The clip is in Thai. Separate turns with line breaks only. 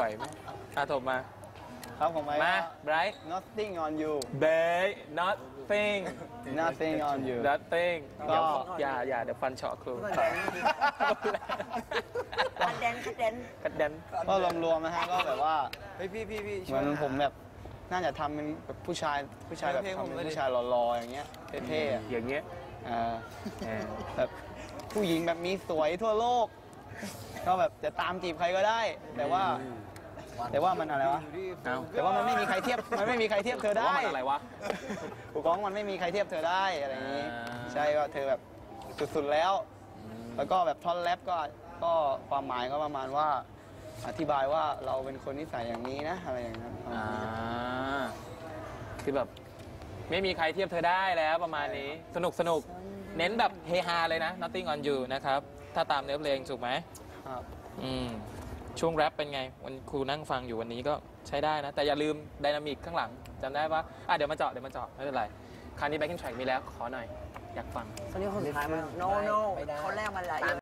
ไหมถมมา
ครับผม
มา Bright
Nothing on you
Babe nothing
Nothing on you
nothing
ก็
อย่าเดี๋ยวฟันเฉาะครู
คัดเดน
กัดแดน
ก็รวมๆนะฮะก็แบบว่า
เฮ้ยพี่
เหมือนผมแบบน่าจะทำเป็นแบบผู้ชายแบบทำเป็นผู้ชายหล่อๆอย่างเงี้ยเท่ๆอะ
อย่างเงี้ย
แบบผู้หญิงแบบมีสวยทั่วโลก ก็แบบจะตามจีบใครก็ได้ แต่ว่ามันอะไรวะ
เอ้า
แต่ว่ามันไม่มีใครเทียบเธอได้
ว่ามันอะไรวะ
กูก้องมันไม่มีใครเทียบเธอได้อะไรอย่างนี้
อ่า
ใช่ว่าเธอแบบสุดๆแล้ว แล้วก็แบบท่อนแรปก็ความหมายก็ประมาณว่าอธิบายว่าเราเป็นคนนิสัยอย่างนี้นะอะไรอย่างนั้น
คือแบบไม่มีใครเทียบเธอได้แล้วประมาณนี้สนุกเน้นแบบเฮฮาเลยนะ Nothing on you นะครับถ้าตามเนื้อเพลงถูกไหม
ครับ
ช่วงแรปเป็นไงวันครูนั่งฟังอยู่วันนี้ก็ใช้ได้นะ แต่อย่าลืมไดนามิกข้างหลังจำได้ปะเดี๋ยวมาเจาะไม่เป็นไรคราวนี้แบ็คกิ้งแทร็กมีแล้วขอหน่อยอยากฟัง
คนนี้คนสุดท้ายมั้งโนเขาแรกมาหลาย